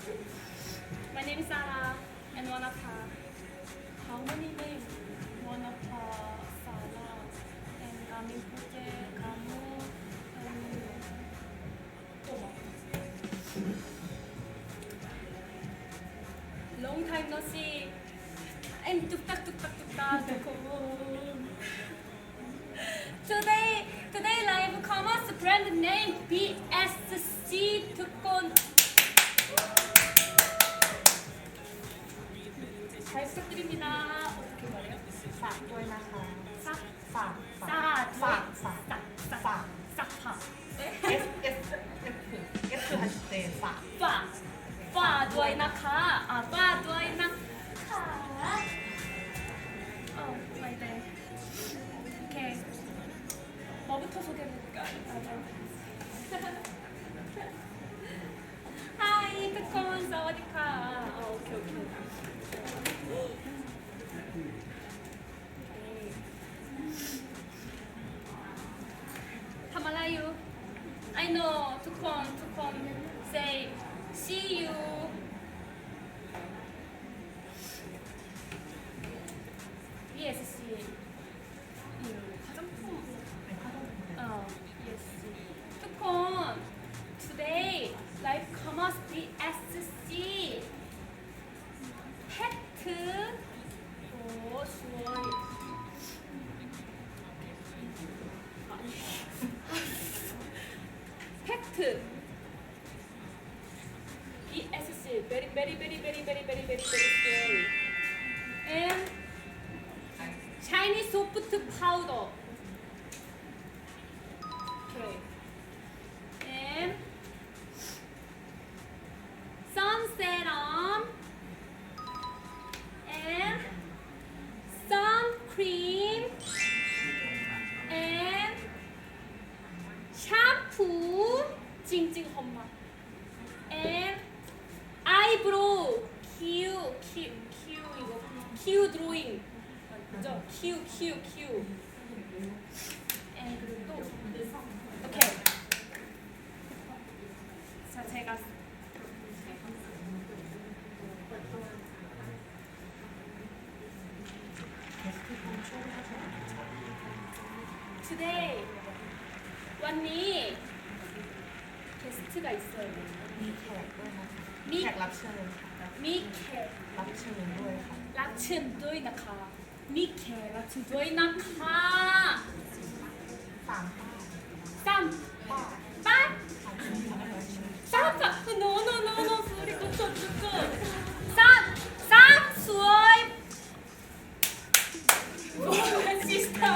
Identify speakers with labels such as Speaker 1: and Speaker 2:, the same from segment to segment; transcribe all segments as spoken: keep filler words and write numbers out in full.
Speaker 1: My name is Sarah and Wanapa. How many names? Wanapa, Sarah, and Gamin Puje, Kamu, and Toma. Long time no see. I'm tuktak tuktak tuktak. Today, today live commerce brand name B S Cทุกคน 잘 부탁드립니다. 어떻게 말해요?
Speaker 2: ฝากด้วยนะคะ
Speaker 1: 싹,
Speaker 2: ฝาก
Speaker 1: 싹,
Speaker 2: ฝากฝาก
Speaker 1: 싹, 싹,
Speaker 2: ฝาก
Speaker 1: 싹파.
Speaker 2: S S S คือ S คือฮันเตฝาก
Speaker 1: 파, 파ด้วยนะคะ 아, 파ด้วยนะคะ 어, my day. 오케이. 뭐부터 소개해볼까? 하이,ทุกคน สวัสดีค่ะ 어, 오케이, 오케이.ทำอะไรอยู่ I know ทุกคนทุกคน say see you yes see you 화장품 어 yes ทุกคน today live commerce B S C 팩트 오 수월 팩트 B S C very very very very very very very very scary and Chinese soft powder okay and sun serum and sun cream and 샴푸 찡찡 험마 and eyebrow 큐, 큐, 큐 이거 큐 드로잉 맞죠? 큐, 큐, 큐 and 그리고 또 오케이 자 제가 today วันนี้เกสต์が있어요
Speaker 2: มีแขกด้วยนะคะ
Speaker 1: มี
Speaker 2: แขกรับเชิญค่ะ
Speaker 1: มีแขก
Speaker 2: รับเชิญด้วยค่ะ
Speaker 1: รับเชิญด้วยนะคะมีแขกรับเชิญด้วยนะคะ
Speaker 2: สามป้า
Speaker 1: สาม
Speaker 2: ป้า
Speaker 1: ป้า
Speaker 2: สามชื่อค่ะรับเชิญ
Speaker 1: สามค่ะ no no no no sorry ก็จบจบจบสามสามสวยโอ้ยซิสเตอร์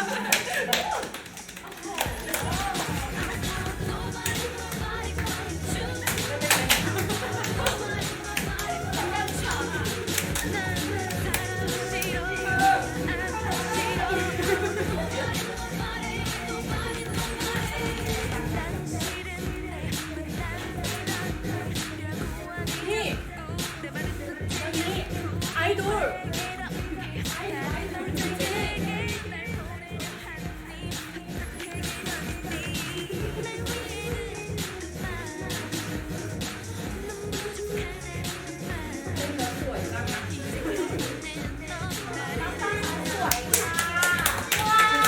Speaker 1: นี่นี่ไอดอลไอดอลจริงๆสวยจังนะจริงๆน้ำตาสวยค่ะว้าว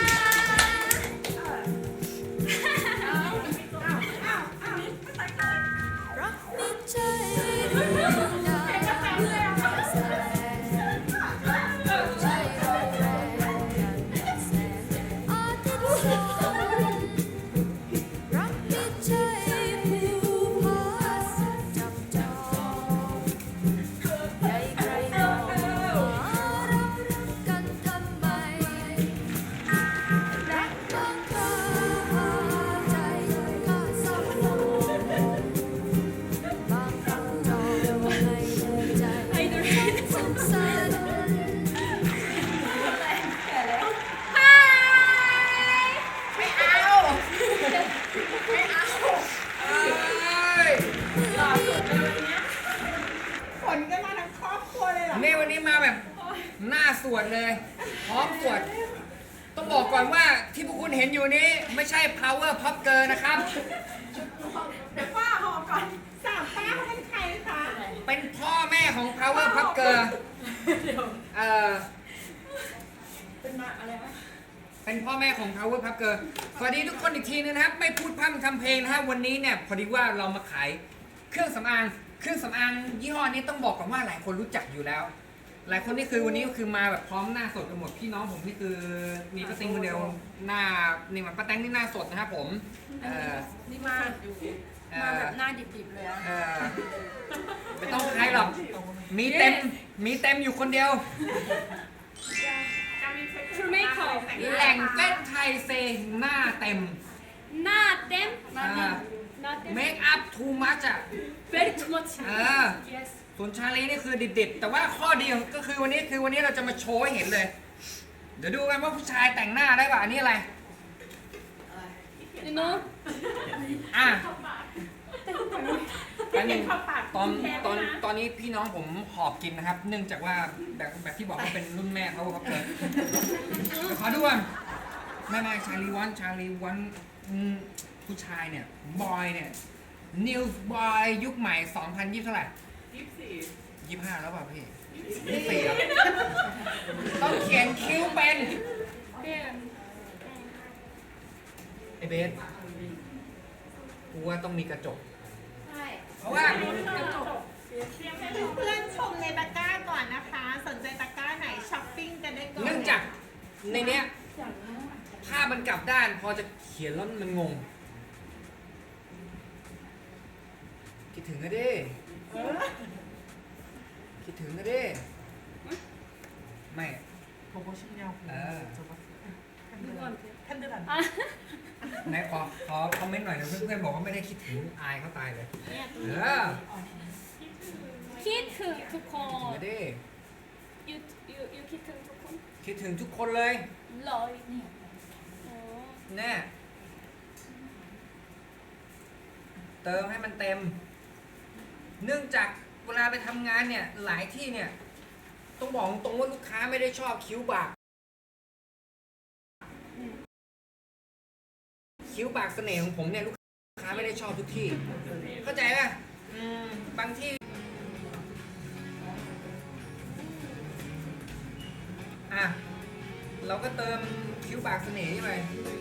Speaker 1: อ้าวอ้าวอ้าวอ้าวรักไม่ใจ
Speaker 3: นี่วันนี้มาแบบหน้าสวดเลยพร้อมสวดต้องบอกก่อนว่าที่พวกคุณเห็นอยู่นี้ไม่ใช่ power pop girl นะครับ
Speaker 2: เดี๋ยวป้าหอมก่อนสามป้าเขาเป็นใครคะ
Speaker 3: เกอร์เอ่อ
Speaker 2: เป็นมาอะไรนะ
Speaker 3: เป็นพ่อแม่ของ Power Puff Girl สวัสดีทุกคนอีกทีนึงนะครับ ไม่พูดพร่ำทำเพลงนะฮะวันนี้เนี่ยพอดีว่าเรามาขายเครื่องสำอางเครื่องสำอางยี่ห้อนี้ต้องบอกก่อนว่าหลายคนรู้จักอยู่แล้ว หลายคนนี่คือวันนี้ก็คือมาแบบพร้อมหน้าสดกันหมดพี่น้องผมนี่คือมีป้าติงคนเดียวหน้านี่มันป้าแตงนี่หน้าสดนะครับผมเอ่อ
Speaker 2: นี่มาอยู่มาแบบหน้าดิบๆเลยอะ
Speaker 3: เอ่อไม่ต้องใครหรอกมีเต็มมีเต็มอยู่คนเดียว
Speaker 1: True makeup
Speaker 3: แหล่งเต้นไทยเซหน้าเต็ม
Speaker 1: not them
Speaker 3: อ่า
Speaker 1: not them
Speaker 3: เมคอัพทูมัชอ่ะ
Speaker 1: very too much
Speaker 3: เออ
Speaker 1: yes
Speaker 3: ส่วนชาลีนี่คือดิบๆแต่ว่าข้อดีของก็คือวันนี้คือวันนี้เราจะมาโชว์ให้เห็นเลย เดี๋ยวดูกันว่าผู้ชายแต่งหน้าได้ป่ะอันนี้อะไร
Speaker 1: you know
Speaker 3: อ่ะอันนี้
Speaker 2: เข้าปาก
Speaker 3: ตอนตอนตอนนี้พี่น้องผมหอบกินนะครับ เนื่องจากว่าแบบแบบที่บอกว่าเป็นรุ่นแม่เขาครับเกิดขอดูก่อนไม่ไม่ชาลีวันชาลีวันอืมผู้ชายเนี่ยบอยเนี่ยนิวบอยยุคใหม่สองพันยี่เท่าไหร่
Speaker 2: ยี่สิบสี่
Speaker 3: ยี่ห้าแล้วเปล่าพี่ยี่สี่แล้วต้องเขียนคิ้วเป็น
Speaker 1: them
Speaker 3: ไอเบสกูว่าต้องมีกระจก
Speaker 1: ใช่
Speaker 3: เพราะว่า
Speaker 2: เพื่อนชมในตะกร้าก่อนนะคะ สนใจตะกร้าไหนช้อปปิ้งกันได้ก่อน
Speaker 3: เนื่องจากในเนี้ยภาพมันกลับด้าน พอจะเขียนแล้วมันงง คิดถึงก็ดิ
Speaker 2: เออ
Speaker 3: คิดถึงก็ดิไม่
Speaker 2: 보고 싶냐고.
Speaker 3: 아.
Speaker 2: 저거.
Speaker 1: 누구한테?
Speaker 2: 팬들한테.
Speaker 1: 아
Speaker 3: ไหนขอขอคอมเมนต์หน่อยนะเพื่อนๆบอกว่าไม่ได้คิดถึงอายเขาตายเลย เออ
Speaker 1: 키트
Speaker 3: คิดถึง
Speaker 1: 두콘
Speaker 3: ก็ดิ
Speaker 1: you you you 키트 두콘
Speaker 3: คิดถึงทุกคนเลย
Speaker 1: 러이 어
Speaker 3: แน่เติมให้มันเต็ม เนื่องจากเวลาไปทำงานเนี่ย หลายที่เนี่ย ต้องบอกตรงว่าลูกค้าไม่ได้ชอบคิ้วบาก คิ้วบากเสน่ห์ของผมเนี่ยลูกค้าไม่ได้ชอบทุกที่ เข้าใจป่ะอืมบางที่ อ่ะ เราก็เติมคิ้วบากเสน่ห์นี่ไป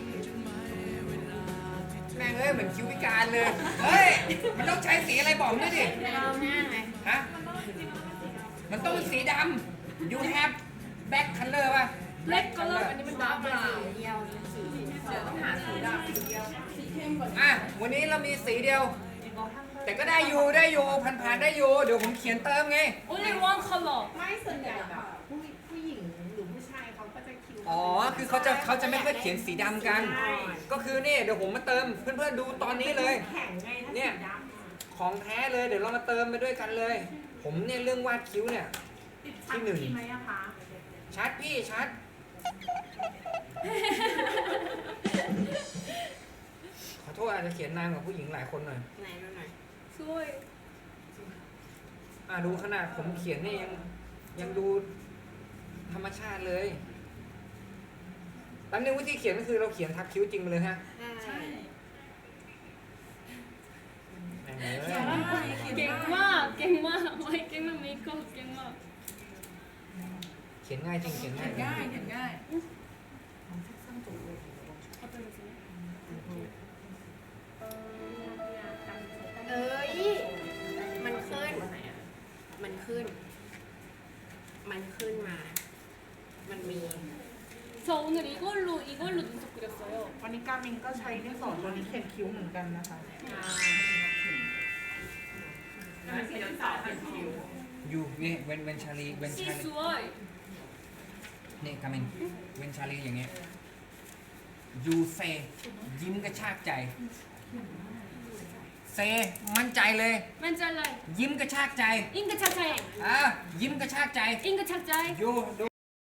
Speaker 3: แม่งเอ้ยเหมือนคิ้วพิการเลย เฮ้ย มันต้องใช้สีอะไรบอกด้วยดิ
Speaker 1: เราหน้าไง
Speaker 3: ฮะ มันต้องเป็นสีดำ you have black color ป่ะ
Speaker 1: black color
Speaker 2: อันนี้มันดาร์กบราวน์เดียวสีเดี๋ยวต้องหาสีดำสีเดียวสีเข้มกว่านี้
Speaker 3: อ่ะ วันนี้เรามีสีเดียว แต่ก็ได้อยู่ได้อยู่ผ่านๆได้อยู่ เดี๋ยวผมเขียนเติมไง
Speaker 1: only one color
Speaker 2: ไม่ส่วนใหญ่แบบผู้ผู้หญิงหรือผู้ชายเขาก็จะคิ้ว
Speaker 3: อ๋อ คือเขาจะเขาจะไม่ค่อยเขียนสีดำกัน
Speaker 2: ใช่
Speaker 3: ก็คือนี่เดี๋ยวผมมาเติมเพื่อนๆดูตอนนี้เลย
Speaker 2: แข็งไงถ้า
Speaker 3: เนี่
Speaker 2: สี
Speaker 3: ย
Speaker 2: ดำ
Speaker 3: ของแท้เลยเดี๋ยวเรามาเติมไปด้วยกันเลย ผมเนี่ยเรื่องวาดคิ้วเนี่ย
Speaker 2: ติดชัดดีไหมอะคะ
Speaker 3: ชัดพี่ชัด ขอโทษอาจจะเขียนนานกว่าผู้หญิงหลายคนหน่อย
Speaker 2: ไหนดูหน่อย
Speaker 1: สวย
Speaker 3: อ่ะดูขนาดผมเขียนเนี่ยยังยังดูธรรมชาติเลยแป๊บนึงวิธีเขียนก็คือเราเขียนทับคิ้วจริงไปเลยฮะ
Speaker 2: ใช่
Speaker 3: แม่งเอ้ย
Speaker 1: เก่งมากเก่งมากไม่เก่งมากเมคอัพเก่งมาก
Speaker 3: เขียนง่ายจริงเขียนง่ายจริง
Speaker 2: ง่ายเห็นง่าย
Speaker 4: เอ้ย มันขึ้น มันขึ้น มันขึ้นมา มันมี
Speaker 1: 저 오늘 이걸로 이걸로 눈썹 그렸어요
Speaker 2: วันนี้กามินก็ใช้ดินสอตัวนี้เขียนคิ้วเหมือนกันนะคะมันเป็นดินสอเขียนคิ้ว
Speaker 3: อยู่นี่เวนเวนชาลีเวนชาลี
Speaker 1: 시스와이
Speaker 3: นี่คามินเวนชาลีอย่างเงี้ยยูเซยิ้มกระชากใจเซมั่นใจเลย
Speaker 1: 만잘라이
Speaker 3: ยิ้มกระชากใจ
Speaker 1: 잉크 착자이
Speaker 3: อ่ะยิ้มกระชากใจ
Speaker 1: 잉크 착자이
Speaker 3: ยูดู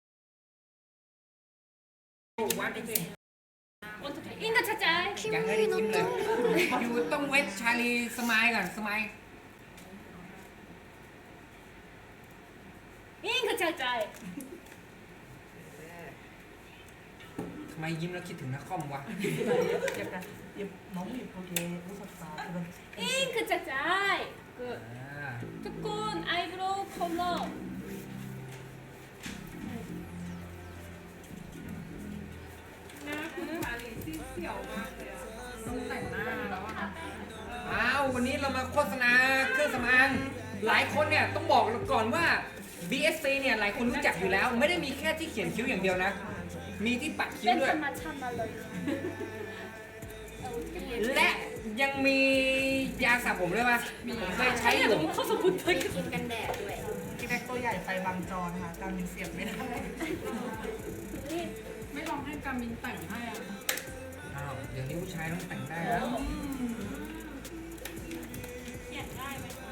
Speaker 3: วันนี้สิ
Speaker 1: 어떻게 잉크 착자이
Speaker 3: ยังไม่ได้ยิ้มเลยยูต้องเวทชาลีสมายก่อนสมาย
Speaker 1: 잉크 착자이
Speaker 3: ทำไมยิ้มแล้วคิดถึงนักคอมวะ
Speaker 2: 약간 예, 너무 예쁘게 웃었다 그런
Speaker 1: 잉크 착자이 그
Speaker 3: อ่า
Speaker 1: 두콘 아이브로우 컬러
Speaker 3: วันนี้เรามาโฆษณาเครื่องสำอางหลายคนเนี่ยต้องบอกก่อนว่า บี เอส ซี เนี่ยหลายคนรู้จักอยู่แล้ว ไม่ได้มีแค่ที่เขียนคิ้วอย่างเดียวนะ มีที่ปัดคิ้วด้วย
Speaker 1: 팬텀만 참말로
Speaker 3: และยังมียาสระผมด้วยป่ะผมเคยใช้อยู่
Speaker 1: 너무 커서 못하겠어
Speaker 4: ครีมกันแดดด้วย
Speaker 2: พี่แม็กตัวใหญ่ไปบางจอนค่ะการมินเสียบไม่ได้ ไม่ลองให้การมินแต่งให้อ่ะ
Speaker 3: อ้าวเดี๋ยวนี้ผู้ชายต้องแต่งได้แล้ว
Speaker 1: เขียนง่ายไหมคะ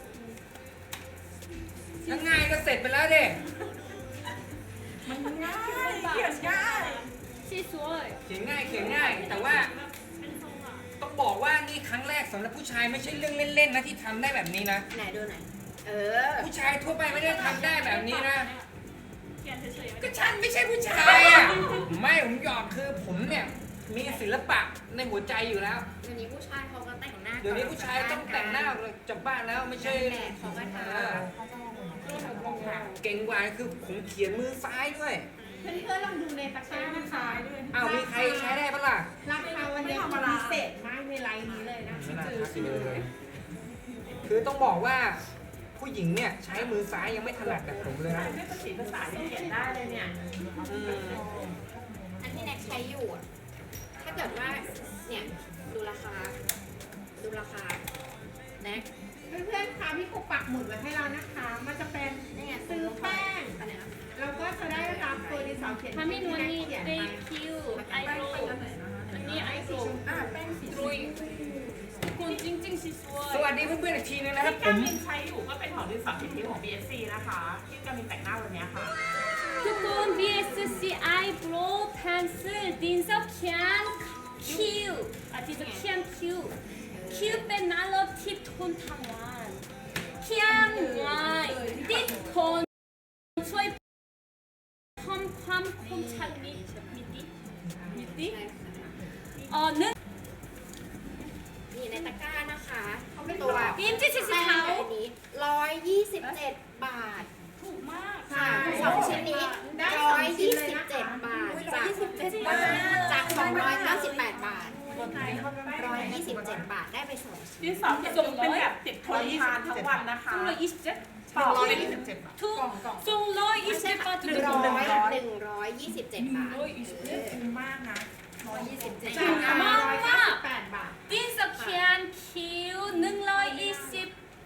Speaker 3: ถ้าง่ายก็เสร็จไปแล้วเด้
Speaker 2: มันง่ายเขียนง่าย
Speaker 1: สีสวย
Speaker 3: เขียนง่ายเขียนง่าย แต่ว่า
Speaker 1: เป็นทรงอ่ะ
Speaker 3: ต้องบอกว่านี่ครั้งแรกสำหรับผู้ชายไม่ใช่เรื่องเล่นๆนะที่ทำได้แบบนี้นะ
Speaker 4: ไหนดูหน่อยเออ
Speaker 3: ผู้ชายทั่วไปไม่ได้ทำได้แบบนี้นะ
Speaker 1: เขียนเฉยๆ
Speaker 3: ก็ฉันไม่ใช่ผู้ชายอ่ะ ไม่ผมหยอกคือผมเนี่ยมีศิลปะในหัวใจอยู่แล้ว
Speaker 4: เดี๋ยวนี้ผู้ชายเขาก็แต่งหน้า
Speaker 3: เดี๋ยวนี้ผู้ชายต้องแต่งหน้าจากบ้านแล้วไม่ใช่
Speaker 4: แดดเขาก็ท
Speaker 3: เออเก่งกว่าคือผมเขียนมือซ้ายด้วย
Speaker 2: เพื่อนๆลองดูในตะกร้านะคะด้วย
Speaker 3: อ้าวมีใครใช้ได้ปะล่ะ
Speaker 2: ราคาวันนี้พิเศษมากในไลน์นี้เลยนะ
Speaker 3: ไม่น่าทักเลยคือต้องบอกว่าผู้หญิงเนี่ยใช้มือซ้ายยังไม่ถนัดแบบผมเลยนะ
Speaker 2: ไม่ภาษีภาษาที่เขียนได้เลยเนี่ย
Speaker 3: อืม
Speaker 4: ำอันที่แน็กใช้อยู่อะถ้าเกิดว่าเนี่ยดูราคา ดูราคาแน็ก
Speaker 2: เพื่อนๆคะพี่ครูปักหมุดไว้ให้เรานะคะ มันจะเป็น
Speaker 4: นี่ไง
Speaker 2: ซื้อแป้ง
Speaker 4: อันเนี้ย
Speaker 2: เราก็จะได้รับตัวดินสอเขียน
Speaker 1: ทามินวันนี้
Speaker 2: เขียน
Speaker 1: เบ
Speaker 2: ไป
Speaker 1: คิวไอโรอันนี้ไอโร
Speaker 2: อ่าแป้งสี
Speaker 1: ดรอยคนจริงๆสีสวย
Speaker 3: สวัสดีเพื่อนๆอีกทีนึงนะครับผ
Speaker 5: ที่กาม มินใช้อยู่ก็เป็นของดินสอเขียนคิ้วของ บี เอส ซี นะคะ ที่กามินแต่งหน้าวันนี้ค่ะ
Speaker 1: ทุกคน บี เอส ซี eyebrow pencil ดินสอเขียนคิ้วอาทิตย์จะเขียนคิ้วคิ้วเป็นน่ารักที่ทนทั้งวันเขียนง่ายติดทนช่วยเพิ่มความคมชัดมิมิติมิติเอ่อหนึ่ง
Speaker 4: นี่ในตะกร้านะคะตัว
Speaker 1: บีมที่สี
Speaker 4: แป้ง
Speaker 1: ขาว
Speaker 4: อันนี้ร้อยยี่สิบเจ็ดบาท
Speaker 1: ถูกมาก
Speaker 4: ค่ะสองชิ้นนี้ร้อยยี่สิบเจ็ดบาทจากจากสองร้อยเก้าสิบแปดบาทร้อยยี่สิบเจ็ดบาทได้ไปสองชิ้น
Speaker 5: ดินสอเขียนคิ้วเป็นแบบติดทนทานทั้งวันนะคะ
Speaker 1: สองร้อยยี่สิบเจ็ด
Speaker 5: ปอกเป็น
Speaker 1: ถูกสองร้อยยี่สิบบาท
Speaker 4: หนึ่งร้อยหนึ่งร้อยยี่สิบเจ็ดบาท
Speaker 2: คุ้มมากนะ
Speaker 4: ร้อยยี่สิบเจ็ด
Speaker 2: จาก
Speaker 4: บาท
Speaker 2: ร้อยเก้าสิบแปดบาท
Speaker 1: ดินสอเขียนคิ้วหนึ่งร้อยยี่สิบ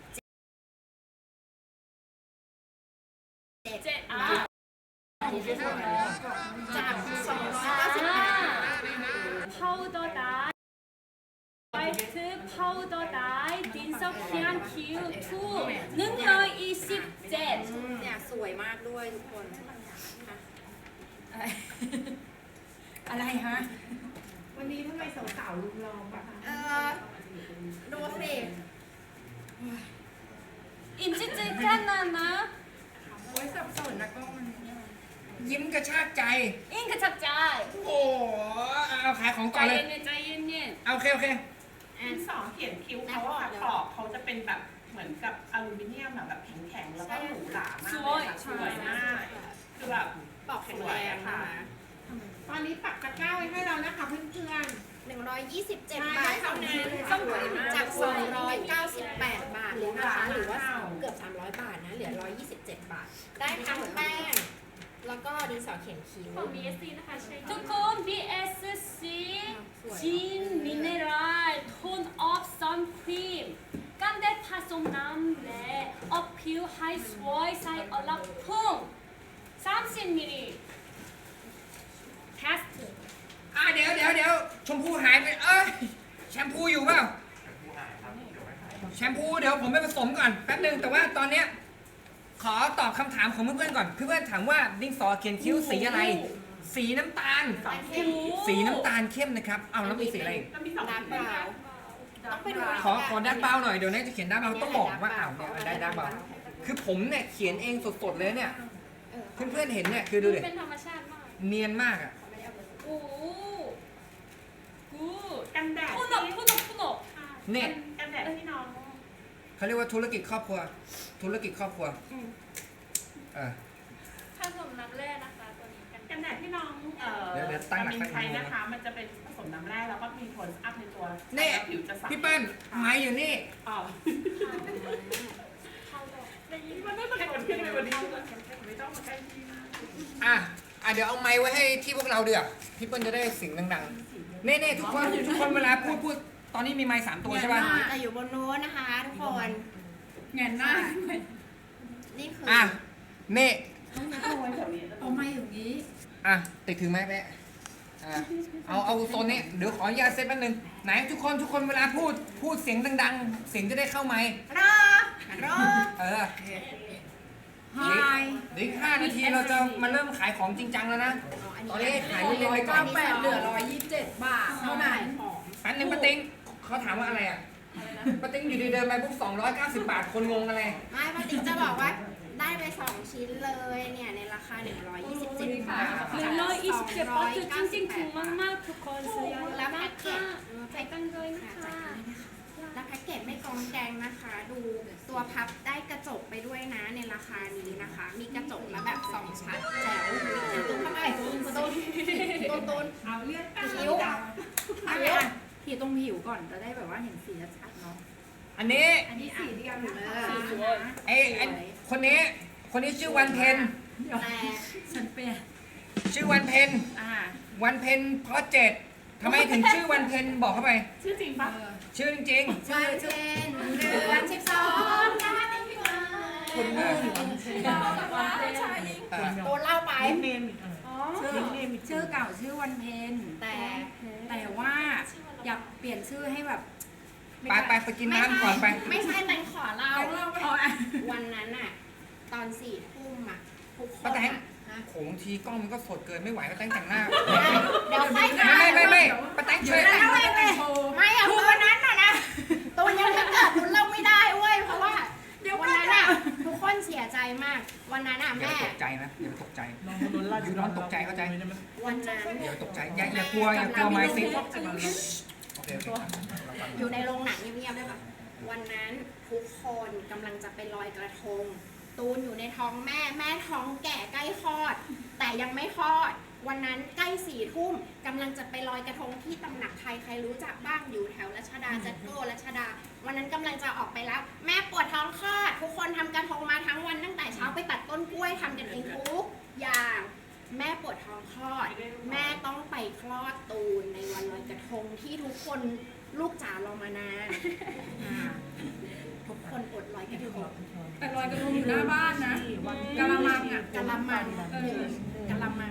Speaker 1: เจ็ดอ่ะ
Speaker 4: จากสองร้อยเก้าสิบแปดบาท
Speaker 1: powder dye white powder dye ดินสอเขียนคิ้วถูกหนึ่งร้อยยี่สิบเจ็ด
Speaker 4: เนี่ยสวยมากด้วยทุกคน
Speaker 2: อะไรฮะ วันนี้ทำไมสาวๆลุมล้อมอะคะ
Speaker 4: เออดูสิ
Speaker 1: อินจิจิกันนะนะ
Speaker 2: โอ้ยสับสนนะกล้องมัน
Speaker 3: ยิ้มกระชากใจ
Speaker 1: อินกระชับใจ
Speaker 3: โอ้โหเอาขายของ
Speaker 1: ใจ
Speaker 3: ก่อนเลย
Speaker 1: เย็นๆใจเย็น
Speaker 3: เอาโอเคโอเค
Speaker 5: ดินสอเขียนคิ้วเขาอะขอบเขาจะเป็นแบบเหมือนกับอลูมิเนียมอะแบบแข็งๆแล้วก็หรูหรามากเลยค่ะสวยมากคือแบบ
Speaker 4: ปอกแข็งแรงนะคะ
Speaker 2: ตอนนี้ปักตะกร้าไว้ให้เรานะคะเพื่อน
Speaker 4: หนึ่งร้อยยี่สิบเจ็ดบาทเท่านั้นสวยมากจากสองร้อยเก้าสิบแปดบาทเลยนะคะ หรือว่าเกือบสามร้อยบาทนะ เหลือร้อยยี่สิบเจ็ดบาท ได้ทั้งแป้ง แล้วก็ดินสอเขียนคิ้ว
Speaker 1: ๆของ บี เอส ซี นะคะใช่ทุกคน บี เอส ซี จินมิเนรัลโทนออฟซันครีมกันแดดผสมน้ำและออกผิวให้สวยใสอลักพุ่งสามสิบมิลลิลิตร test
Speaker 3: อ่ะเดี๋ยวเดี๋ยวเดี๋ยวชมพูหายไปเอ้ยแชมพูอยู่เปล่าแชมพูเดี๋ยวผมไปผสมก่อนแป๊บนึงแต่ว่าตอนเนี้ยขอตอบคำถามของเพื่อนๆก่อนเพื่อนๆถามว่าดินสอเขียนคิ้วสีอะไร สีน้ำตาล สีน้ำตาลเข้มนะครับเอาแล้วมีสีอะไรอีก
Speaker 5: ก็มีสอง
Speaker 4: ดาร์ก
Speaker 5: สี
Speaker 4: บราวน์ต้องไปดู
Speaker 3: ขอขอด้านเบาหน่อยเดี๋ยวน่าจะเขียนด้านเบาต้องบอกว่าอ้าวเนี่ยได้ด้านเบาคือผมเนี่ยเขียนเองสดๆเลยเนี่ยเพื่อนๆเห็นเนี่ยคือดูดิ
Speaker 1: เป็นธรรมชาติมาก
Speaker 3: เนียนมากอ่ะ
Speaker 1: โอ้กู
Speaker 5: กันแดด
Speaker 1: พุ่นออกพุ่นออกพุ่นออก
Speaker 3: เนี่ย
Speaker 5: กันแดดที่น้อง
Speaker 3: เขาเรียกว่าธุรกิจครอบครัว ธุรกิจครอบครัวเออ
Speaker 1: ผสมน้ำแร่นะคะตัวนี้กัน
Speaker 5: กันแดนาดที่น้องเอ่อ
Speaker 3: เดี๋ยวเดี๋ยวตั้งหลัก
Speaker 5: มิน
Speaker 3: ตั้งหลัก
Speaker 5: ใช้นะคะ มันจะเป็นผสมน้ำแร่แล้วก็มีโทนอัพในตัว
Speaker 3: นี่
Speaker 5: แล้วผิวจะใส
Speaker 3: พี่เปิ้ลไม้อยู่นี่
Speaker 5: อ๋อมันไม่ต้องกดขึ้นไปวันนี้ไม่ต้องมาใกล้ที่มาก
Speaker 3: อ่ะอ่ะเดี๋ยวเอาไม้ไว้ให้ที่พวกเราเดือพี่เปิ้ลจะได้เสียงดังๆเน่ๆทุกคนทุกคนเวลาพูดพูดตอนนี้มีไม้สามตัวใช่ป่ะ
Speaker 4: แต่อยู่บนโน้นนะคะทุกคน
Speaker 2: เงินหน้า
Speaker 4: นี่คือ
Speaker 3: อ่ะเน่
Speaker 2: เอามาอย่างนี้
Speaker 3: อ่ะติดถึงไหมแม่อ่ะเอาเอาโซนนี้เดี๋ยวขออนุญาตเซตแป๊บนึงไหนทุกคนทุกคนเวลาพูดพูดเสียงดังๆ เสียงจะได้เข้าไมค์
Speaker 4: รอรอ
Speaker 3: เออ
Speaker 2: ไฮ
Speaker 3: เดี๋ยวอีกห้านาทีเราจะมาเริ่มขายของจริงจังแล้วนะ ตอนนี้ขายเล่นๆไปก่อ
Speaker 2: เก้าน แปดเหลือร้อยยี่สิบเจ็ดบาทเท่านั้น
Speaker 3: แป๊บนึงป้าติ้งเขาถามว่าอะไรอ่ะป้าติ้งอยู่ดีเดินไปปุ๊บสองร้อยเก้าสิบบาทคนงงอะไร
Speaker 4: ไม่ปาติ๊กจะบอกว่าได้ไปสองชิ้นเลยเนี่ยในราคาหนึ่งร้อยยี่สิบเจ็ดบาท
Speaker 1: หนึ่งร้อยยี่สิบเจ็ดบาทจริงๆถูกมากๆทุกคนซื้อ
Speaker 4: แล้วแพ็
Speaker 1: มาก
Speaker 4: กเกจ
Speaker 1: ค่ะไปกันเลยนะ
Speaker 4: ค่ะ
Speaker 1: คะ
Speaker 4: แล้วแพ็กเกจไม่กองแกงนะคะ ดูตัวพับได้กระจกไปด้วยนะในราคานี้นะคะ มีกระจกแล้วแบบสองชั้นแจ๋วตุ้มเข้าไปตุ้มตุ้มตุ้มตุ้ม
Speaker 2: เอาเลือด
Speaker 4: ผิว
Speaker 2: เอาเลยอ่ะผิวตรงผิวก่อนจะได้แบบว่าเห็นสีชัดๆเนาะ
Speaker 3: อันนี้
Speaker 2: อันนี้สีเดียวอยู่เลย
Speaker 3: ไอ้ไอ้คนนี้คนนี้ชื่อวันเพน
Speaker 4: แต่
Speaker 2: ฉันเป็น
Speaker 3: ชื่อวันเพน
Speaker 2: อ่า
Speaker 3: วันเพนเพราะเจ็ดทำไมถึงชื่อวันเพนบอกเข้าไป
Speaker 5: ชื่อจริงปะ
Speaker 3: ชื่อจริง
Speaker 4: วันเพ็ญเดือนสิบสองนะคะ
Speaker 3: ๆคุณมือ
Speaker 2: ใช่
Speaker 3: เอ่อ
Speaker 4: โดนเล่าไป
Speaker 5: เนม
Speaker 2: ชื่อชื่อเก่าชื่อวันเพ็ญ
Speaker 4: แต่
Speaker 2: แต่ว่าอยากเปลี่ยนชื่อให้แบบ
Speaker 3: ไปไปไปกินน้ำก่อนไป
Speaker 4: ไม่ใช่แต่ขอเล่า
Speaker 2: เอาเล่าเอาอ่ะ
Speaker 4: วันนั้นอะตอนสี่ทุ่มอะทุกคน
Speaker 3: ป้าแตง
Speaker 4: อะ
Speaker 3: โขงทีกล้องมันก็สดเกินไม่ไหวป้าแตงแต่งหน้า
Speaker 4: เดี๋ยวค่อย
Speaker 3: ไม่ไม่ไม่ไม่ป้าแตงช่วยแต่ง
Speaker 2: ไม่ไม่โชว์
Speaker 4: ไม่อะคือวันนั้นอะนะตัวยังไม่เกิดคุณเล่าไม่ได้เว้ยเพราะว่า
Speaker 2: เดี๋ยว
Speaker 4: วันนั้นอะทุกคนเสียใจมาก วันนั้นอะ
Speaker 3: อย่า
Speaker 4: แม่
Speaker 3: ไปตกใจนะอย่าไปตกใจอยู่นอนตกใจเข้าใจ
Speaker 4: วันนั้น
Speaker 3: อย่าไปตกใจอย่าอย่ากลัวอย่ากลัวไม้ซิโอเคโอเคเราฟัง
Speaker 4: อยู่ในโรงหนังเงียบๆได้ปะวันนั้นทุกคนกำลังจะไปลอยกระทง ตูนอยู่ในท้องแม่แม่ท้องแก่ใกล้คลอด แต่ยังไม่คลอด วันนั้นใกล้สี่ทุ่มกำลังจะไปลอยกระทงที่ตำหนักใครใครรู้จักบ้างอยู่แถวรัชดาจัดโก้รัชดา วันนั้นกำลังจะออกไปแล้ว แม่ปวดท้องคลอด ทุกคนทำกระทงมาทั้งวันตั้งแต่เช้าไปตัดต้นกล้วยทำกันเองทุกอย่าง แม่ปวดท้องคลอด แม่ต้องไปคลอดตูนในวันลอยกระทงที่ทุกคนลูกจ๋ารอมานานอ่าทุกคนอดลอยกระทง
Speaker 2: แต่ลอยกระทงอยู่หน้าบ้านนะกะละมังอ่ะ
Speaker 4: กะละมัง
Speaker 2: เออก
Speaker 4: ะละมัง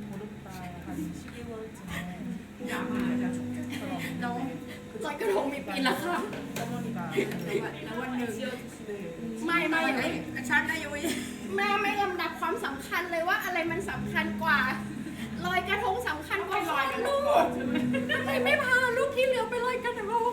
Speaker 2: น้อง
Speaker 4: ลอยกระทงมีปีละครั้ง
Speaker 2: แล้ววันหนึ่ง
Speaker 4: ไม่ไม่
Speaker 2: ไอ้
Speaker 4: ไม่
Speaker 2: ฉันอายุ
Speaker 4: แม่ไม่ลำดับความสำคัญเลยว่าอะไรมันสำคัญกว่าลอยกระทงสำคัญกว่าลอยกระทงทำไมไม่พาลูกที่เหลือไปลอยกระทง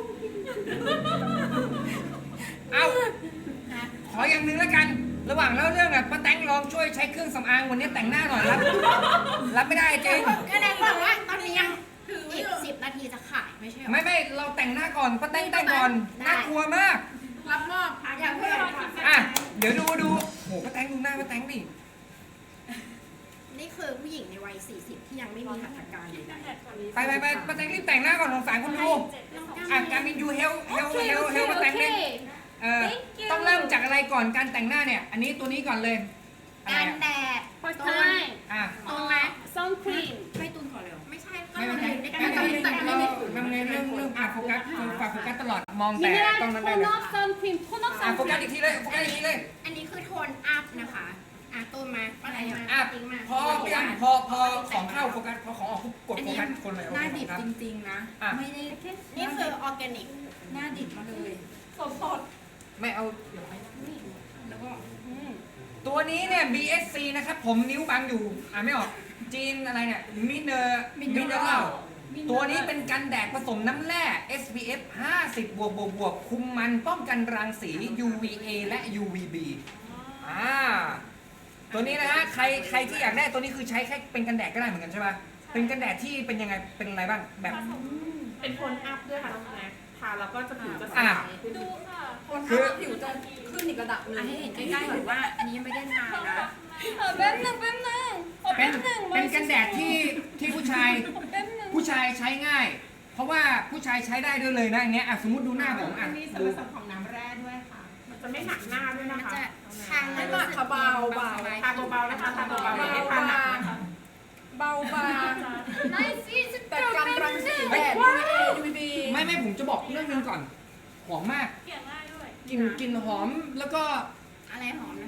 Speaker 3: เอาขออย่างหนึ่งแล้วกัน ระหว่างเล่าเรื่องอ่ะป้าแตงลองช่วยใช้เครื่องสำอางวันนี้แต่งหน้าหน่อยรับรับไม่ได้จริง
Speaker 4: ก็แดงบอกว่าตอนนี้ยังอีกสิบนาทีจะขายไม่ใช่หรอ
Speaker 3: ไม่ไม่เราแต่งหน้าก่อนป้าแตงแต่งก่อนน่ากลัวมาก
Speaker 2: รับมอบ
Speaker 4: อยากเพื่อน
Speaker 3: อ่ะเดี๋ยวดูดูโหป้าแตงดูหน้าป้าแตงดิ
Speaker 4: นี่คือผู้หญิงในวัยสี่สิบที่ยังไม่มีหัตถการใดๆ
Speaker 3: ไปไปไปป้าแตงรีบแต่งหน้าก่อนสงสารคนดูอ่ะการมินยูเฮลเฮล
Speaker 1: โอเค
Speaker 3: เฮล
Speaker 1: โอ
Speaker 3: เฮ
Speaker 1: เค
Speaker 3: ลป้า
Speaker 1: โอ
Speaker 3: แตง
Speaker 1: เค
Speaker 3: ดิเออต้องเริ่มจากอะไรก่อนการแต่งหน้าเนี่ย อันนี้ตัวนี้ก่อนเลยอะไร
Speaker 4: กัน
Speaker 3: อ่ะ
Speaker 4: แดด
Speaker 1: first
Speaker 4: ตูน
Speaker 1: time
Speaker 3: อ่ะ
Speaker 4: ตูนไหม
Speaker 1: sunscreen
Speaker 2: ให้ตุนก่อนเร็ว
Speaker 4: ไม่ใช่ก็
Speaker 3: ไม่
Speaker 4: มั
Speaker 3: ไม่
Speaker 4: น
Speaker 3: ไม่
Speaker 4: อยู่ใน
Speaker 3: ไม่
Speaker 4: การ
Speaker 3: ไม่
Speaker 4: แต่ง
Speaker 3: ไม่
Speaker 4: ไม่
Speaker 3: ไม่
Speaker 4: ได้
Speaker 3: ไม่เรื่องเรื่องอ่ะโฟกัสฝากโฟกัสตลอดมองแต่
Speaker 1: mineral
Speaker 3: ตรงนั้นได้เลย
Speaker 1: tone up sunscreen tone up
Speaker 3: อ่ะโฟกัส
Speaker 1: sunscreen
Speaker 3: อีกทีเลยโฟกัสอีกทีเลย
Speaker 4: อันนี้คือโทนอัพนะคะอ่ะตูนมาอะไรมา
Speaker 3: อ่ะ
Speaker 4: จริงมา
Speaker 3: พอพยายามพอพอของเข้าโฟกัสพอของออกปุ๊บกดโฟกัสคนเลย
Speaker 2: หน้าดิบ
Speaker 3: ครับ
Speaker 2: จริงๆนะ
Speaker 3: อ่ะ
Speaker 2: ไม่ได้
Speaker 4: นี่คือออร์แกนิก
Speaker 2: หน้าดิบมาเลย
Speaker 3: ไม่เอา
Speaker 2: แล้วก็
Speaker 3: ตัวนี้เนี่ย บี เอส ซี นะครับผมนิ้วบังอยู่อ่านไม่ออกจีนอะไรเนี่ยมิเนอร์มิเนอร์ตัวนี้เป็นกันแดดผสมน้ำแร่ เอส พี เอฟ ห้าสิบ บวกบวกบวกคุมมันป้องกันรังสี ยู วี เอ และ ยู วี บี อ่าตัวนี้นะฮะใครใครที่อยากได้ตัวนี้คือใช้แค่เป็นกันแดดก็ได้เหมือนกันใช่ป่ะเป็นกันแดดที่เป็นยังไงเป็นอะไรบ้างแบบ
Speaker 5: เป็นโทนอัพด้วยค่ะน้องแม็กทาแล้วก็จะผิวจะใส
Speaker 3: อ่ะ
Speaker 1: ดูค่ะ
Speaker 3: คือ
Speaker 2: ผิวจะขึ้นอีกระดับหนึงให้เห็นใกล้ๆก่อนว่า อันนี้ยังไม่ได้ทานะ
Speaker 1: เออแป๊บนึงแป๊บนึงโอ้
Speaker 3: เป็นเป็นกันแดดที่ที่ผู้ชายผู้ชายใช้ง่าย เพราะว่าผู้ชายใช้ได้ด้วยเลยนะอันเนี้ยอ่ะสมมติดูหน้าผม
Speaker 5: อั
Speaker 3: อ่ะ
Speaker 5: นนี้ส่วน
Speaker 3: ดู
Speaker 5: ผสมของน้ำแร่ด้วยค่ะ มันจะไม่หนักหน้าด้วย
Speaker 4: มั
Speaker 5: นะ
Speaker 4: น
Speaker 5: คะ
Speaker 4: จะทาง
Speaker 2: ไม่
Speaker 4: รู้
Speaker 2: หนัก
Speaker 4: สึก
Speaker 2: ค่ะเบาเบา
Speaker 5: ทาเบาๆนะคะทาเบาๆไม่ได้ทาหนักนะคะ
Speaker 2: เบาบาง
Speaker 1: Nice is
Speaker 2: แต่กันรังสีแดด ยู วี เอ ยู วี บี
Speaker 3: ไม่ไม่ผมจะบอกเรื่องนึงก่อนหอมมากกลิ่นกลิ่นหอมแล้วก็
Speaker 4: อะไรหอมนะ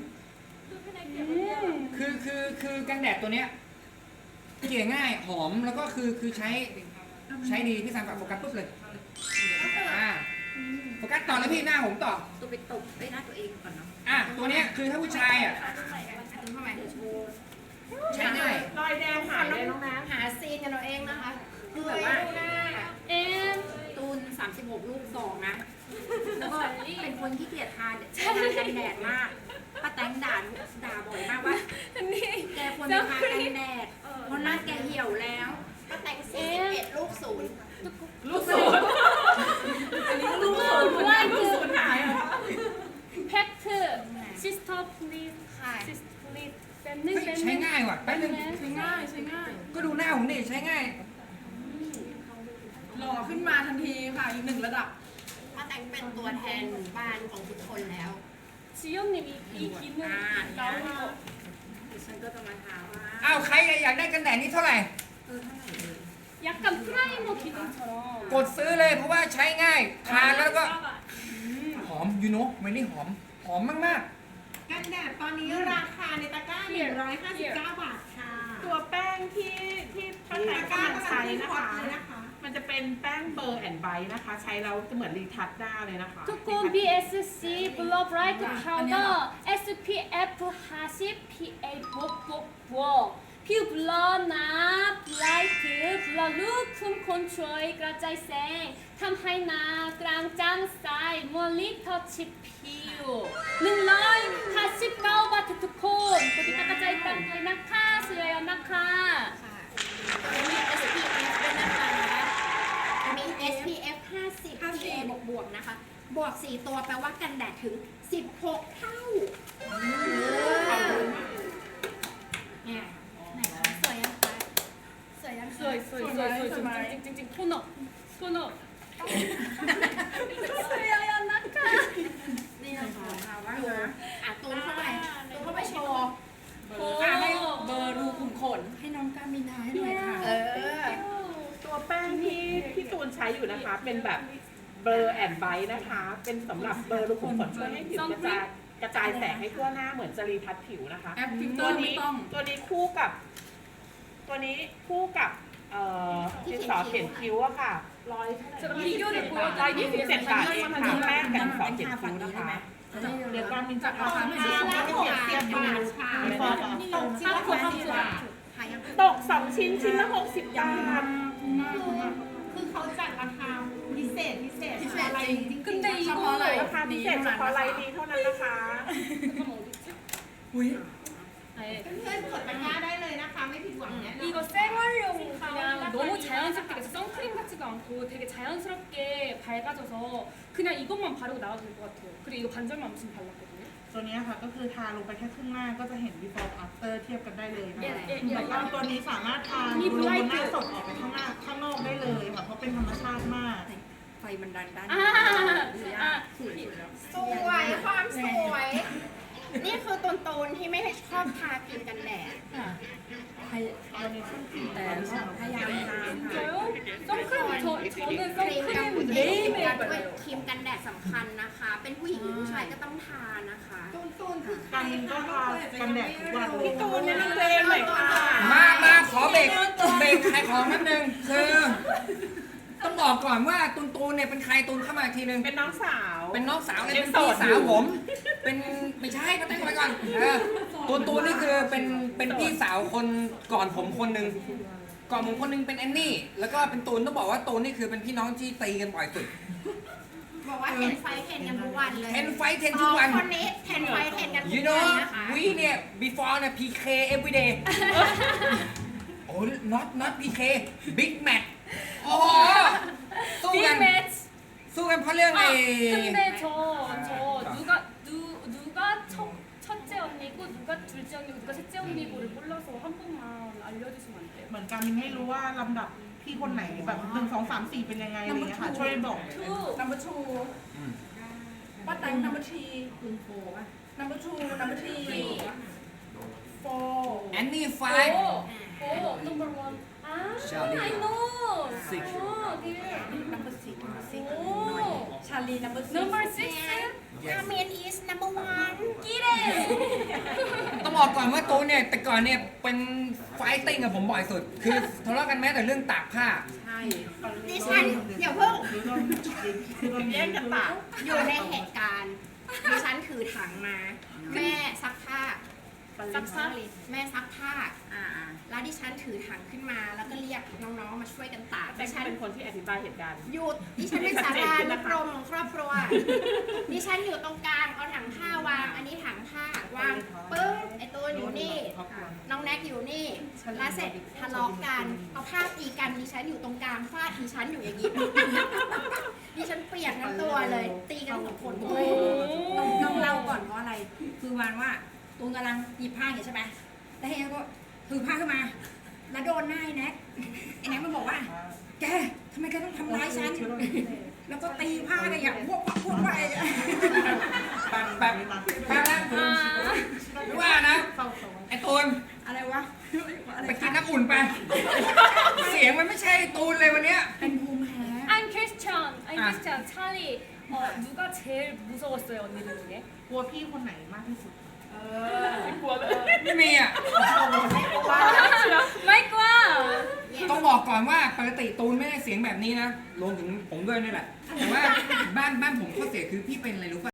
Speaker 3: คือคือคือกันแดดตัวเนี้ยเกลี่ยง่ายหอมแล้วก็คือคือใช้ใช้ดีพี่สามกับโฟกัสปุ๊บเลยอ่าโฟกัสต่อแล้วพี่หน้าผมต่อ
Speaker 4: ตัวไปตบไปหน้าตัวเองก่อนเนาะ
Speaker 3: อ่ะตัวเนี้ยคือถ้าผู้ชายอ่ะ
Speaker 4: อันนี้เข้าไปเดี๋ยวโชว์
Speaker 3: ใช้ง่าย
Speaker 5: รอยแดงหายเลยน้องน้
Speaker 4: หาซีนกันเราเองนะคะคือแบบว่า
Speaker 1: and
Speaker 4: ตูนสามสิบหกลูกสองนะ แล้วก็เป็นคนที่เกลียดทานทากันแดดมากป้าแตงด่าด่าบ่อยมากว่า แกควรไปทากันแดดเพราะหน้าแกเหี่ยวแล้วป้าแตงสี่สิบเอ็ดลูกศูนย์
Speaker 5: ำลูกศูนย์อันนี้ลูกศูนย์ลูกศูนย์หายเหรอ
Speaker 1: fact sister please
Speaker 4: ค่ะ
Speaker 1: sister please แป๊บนึ
Speaker 3: เฮ้
Speaker 1: ง
Speaker 3: ย
Speaker 1: แป๊บ
Speaker 3: ใช้
Speaker 1: นึง
Speaker 3: ง่ายว่ะแป๊บนึง
Speaker 2: ใช้ง่ายใช้ง่าย
Speaker 3: ก็ดูหน้าผมดิใช้ง่าย
Speaker 2: หล่อขึ้นมาทันทีค่ะอีกหนึ่งระดับ
Speaker 4: ป้าแตงเป็นตัวแทนหมู่บ้านของทุกคนแล้ว
Speaker 1: 지연님 이, 이 기능
Speaker 4: 아,
Speaker 1: 나오는 거
Speaker 4: ดิฉันก็จะมาถามว่า
Speaker 3: อ้าวใครอยากได้กันแดดนี้เท่าไหร่
Speaker 4: เออเท่าไหร่เลย
Speaker 1: 약간 프라이머 기능처럼
Speaker 3: กดซื้อเลยเพราะว่าใช้ง่ายทาแล้วก็หอมยูโน่ไม่นี่หอมหอมมาก
Speaker 5: กันแดดตอนนี้ราคาในตะกร้าหนึ่งร้อยห้าสิบเก้าบาทค่ะ ตัวแป้งที่ที่ป้าแตงกำลังใช้นะคะ มันจะเป็นแป้งเบอร์แอนด์ไบท์นะคะ ใช้แล้วจะเหมือนรีทัชด้าเลยนะคะ
Speaker 1: 두꺼운 비에스씨 블러 브라이트 파우더 에스피에프 사십 피에이 복복복 피부 블러 나 브라이트 블러 루쿰 컨트롤 그라자이생 탐하이나 그랑짱 사이 몰리 터치 피우 능러이 사십구 바트 투콘 고디 깎아자이 땅타이 나카 수여요 나카
Speaker 4: ค่ะมี เอส พี เอฟ ห้าสิบ พี เอ บวกบวกๆนะคะ บวกสี่ตัวแปลว่ากันแดดถึงสิบหกเท่าเนี่ยไหนคะสวยยังคะสวยยังคะ
Speaker 1: สวยสวยสวยสวยสวยจริงจริงโทนอโทนอสวยอะนะคะ
Speaker 4: นี่นะคะว่าดูอ่ะตูนเข้าไปตูนเข้าไปโชว์
Speaker 1: โอ้
Speaker 2: อ่ะให้เบอร์รูขุมขนให้น้องกามินาให้หน่อยค่ะ
Speaker 4: เออ
Speaker 5: ตัวแป้งที่พี่ตูนใช้อยู่นะคะ เป็นแบบเบอร์แอนด์ไบท์นะคะ เป็นสำหรับเบอร์รูขุมขนช่วยให้ผิวกระจายกระจายแสงให้ทั่วหน้าเหมือนจะรีทัชผิวนะคะ
Speaker 2: แอปฟิลเต
Speaker 5: ตั
Speaker 2: อ
Speaker 5: ว
Speaker 2: ร์ไม่
Speaker 5: นี้
Speaker 2: ต้อง
Speaker 5: ตัวนี้คู่กับ ตัวนี้คู่กับเอ่อดินสอเขียนคิ้วอะค่ะร้อยร้อยยี่สิบเจ็ดบาทเองค่ะแป้งกับดินสอเขียนคิ้วนะคะเดี๋ยวตอนนี้จะเอามาให้ดูว่าเปรียบเทียบกันค่ะฟอร์ตกชิ้นละหกสิบบาท
Speaker 4: หายัง
Speaker 5: ตกสองชิ้นชิ้นละหกสิบบาท
Speaker 6: คือเขาจัดราคาพิเศษพิเศษ
Speaker 2: พิเศษ
Speaker 6: อะไร
Speaker 2: จริง
Speaker 1: 근데
Speaker 2: เฉพาะอะไร
Speaker 5: ราคาพิเศษเฉพาะไลน์นี้เท่านั้นนะคะ
Speaker 2: อุ้ย
Speaker 6: เพื่อนๆกดตะกร้าได้เลยนะคะ ไม่ผิดหวังแน่นอน
Speaker 1: 이거 생활용 그냥 너무 자연스럽게 그래서 선크림 같지도 않고 되게 자연스럽게 밝아져서 그냥 이것만 바르고 나와도 될 것 같아요. 그리고 이거 반절만 무슨 발랐거든요.
Speaker 6: ตัวเนี้ยค่ะก็คือทาลงไปแค่ครึ่งหน้าก็จะเห็น before after เทียบกันได้เลยนะ
Speaker 1: เอ๊ะ
Speaker 6: คะ
Speaker 1: เอ๊ะ
Speaker 6: แล้วก็ตัวนี้สามารถทา
Speaker 1: มี
Speaker 6: ลงบนหน้า
Speaker 1: bright
Speaker 6: สดออกไปข้างหน้าข้างนอกได้เลยค่ะเพราะเป็นธรรมชาติมาก
Speaker 2: ไฟมันดันด้าน
Speaker 1: 아, 아,
Speaker 4: สวยความสวย นี่คือตูนตูนที่ไม่ได้ชอบทาครีมกันแดด
Speaker 2: แต่ก็พยายามทานค่ะ
Speaker 1: 진짜요? 선크림 저 저는
Speaker 4: ครีมกัน
Speaker 1: 선크림
Speaker 4: แดด
Speaker 1: 매일매일
Speaker 4: ด้วย
Speaker 1: 발라요.
Speaker 4: ครีมกันแดดสำคัญนะคะ เป็นผู้หญิงหรือผู้ชายก็ต้องทานะคะ
Speaker 6: กันก็ทากันแดดทุกวันเลย
Speaker 5: พี่ตูนแนะนำตัวเองหน่อยค่ะ
Speaker 3: ๆ มามาขอเบรกเบรกขายของนิดนึงคือต้องบอกก่อนว่าตูนตูนเนี่ยเป็นใครตูนเข้ามาอีกทีนึง
Speaker 5: เป็นน้องสาว
Speaker 3: เป็นน้องสาวเลย
Speaker 5: ยั
Speaker 3: เป็
Speaker 5: ง
Speaker 3: น
Speaker 5: โส
Speaker 3: พี่
Speaker 5: ด
Speaker 3: สา
Speaker 5: อยู่
Speaker 3: วผม เป็นไม่ใช่ก็ตั้งไว้ก่อนเออตูนตูนนี่คือเป็นเป็นพี่สาวคนก่อนผมคนหนึ่งก่อนผมคนหนึงเป็นแอนนี่แล้วก็เป็นตูนต้องบอกว่าตูนนี่คือเป็นพี่น้องที่ตีกันบ่อยสุด
Speaker 4: บอกว่าเทนไฟเทนกันทุกวันเลย
Speaker 3: เทนไฟเทน
Speaker 4: ส
Speaker 3: ทุ
Speaker 4: อก ง
Speaker 3: วัน
Speaker 4: คนนี้เทนไฟเทนกันทุ
Speaker 3: you
Speaker 4: กวั
Speaker 3: know
Speaker 4: นนะคะ
Speaker 3: we เนี่ย before เนี่ย พี เค every day โอ้ not not พี เค big match โอ้โหสู้กัน
Speaker 1: 빅 매치.
Speaker 3: สู้กันเพราะเรื่อง
Speaker 1: 아,
Speaker 3: ไอ้
Speaker 1: 근데 저 저 누가 누 누가 첫 첫째 언니고 누가 둘 셋째 언니고 누가 셋째 언니고를 몰라서 한 번만 알려주시면 안 돼요?
Speaker 6: เหมือนกันมินไม่รู้ว่าลำดับพี่คนไหนแบบหนึ่งสองสามสี่เป็นยังไงอะไรเงี้ยค่ะ ช่วยบอก
Speaker 1: two
Speaker 2: number two
Speaker 3: อืม
Speaker 2: ป้าแตง number three คุณโฟป่ะ number two number three four
Speaker 3: แอนนี่ไฟ
Speaker 1: four four number one 아
Speaker 3: Charlie.
Speaker 1: I know
Speaker 3: Six.
Speaker 1: 어, 네.
Speaker 2: number six number six
Speaker 1: 오
Speaker 2: ชาลี number six
Speaker 1: number six
Speaker 4: อาเมน is number one
Speaker 1: 끼래
Speaker 3: ต้องบอกก่อนว่าตูนเนี่ยแต่ก่อนเนี่ยเป็นไฟติ้งกับผมบ่อยสุด คือทะเลาะกันแม้แต่เรื่องตากผ้า
Speaker 2: ใช่
Speaker 4: ดิฉันอย่าเพิ่ง
Speaker 6: คือโดนคือโดน
Speaker 5: แย่งกันตาก
Speaker 4: อยู่ในเหตุการณ์ดิฉันถือถังมา แม่ซักผ้าซักผ้าแม่ซักผ้า
Speaker 2: อ่า
Speaker 4: แล้วดิฉันถือถังขึ้นมา แล้วก็เรียกน้องๆมาช่วยกันตาก
Speaker 5: แต่
Speaker 4: ดิฉัน
Speaker 5: เป็นคนที่อธิบายเหตุการณ์
Speaker 4: หยุดดิฉันเป็นสารานุกรมของครอบครัว ดิฉันอยู่ตรงกลางเอาถังผ้าวาง อันนี้ถังผ้าวางปึ้งไอตัวอยู่นี่ น้องแน็กอยู่นี่ แล้วเสร็จทะเลาะกันเอาผ้าตีกันดิฉันอยู่ตรงกลางฟาดดิฉันอยู่อย่างนี้ ดิฉันเปียกทั้งตัวเลย ตีกันสองคนด้วย
Speaker 2: ต้องต้องเล่าก่อนเพราะอะไร คือวันว่าตูนกำลังหยิบผ้าอย่างเงี้ยใช่ไหมแล้วเฮียก็ถือผ้าขึ้นมา แล้วโดนหน้าไอ้แน็กไอ้แน็กมันบอกว่า แกทำไมแกต้องทำร้ายฉัน แล้วก็ตีผ้าเลยอย่างพวกพวกพวกไป
Speaker 3: แบบแบบแบบนั้นไม่ว่านะ ไอ้ตูน
Speaker 2: อะไรวะ
Speaker 3: ไปกินน้ำอุ่นไป เสียงมันไม่ใช่ตูนเลยวันเนี้ย
Speaker 2: เป็นภูมิแพ้
Speaker 1: I'm question I'm
Speaker 3: 아.
Speaker 1: question 찰리 어 누가 제일 무서웠어요 언니들 중에?
Speaker 6: กลัวพี่คนไหนมากที่สุด
Speaker 5: กลัวเลย
Speaker 3: ไม่มีอ่ะ
Speaker 1: 마이크와
Speaker 3: ต้องบอกก่อนว่าปกติตูนไม่ได้เสียงแบบนี้นะ รวมถึงผมด้วยนี่แหละ แต่ว่าบ้านบ้านผมข้อเสียคือพี่เป็นอะไรรู้ป่ะ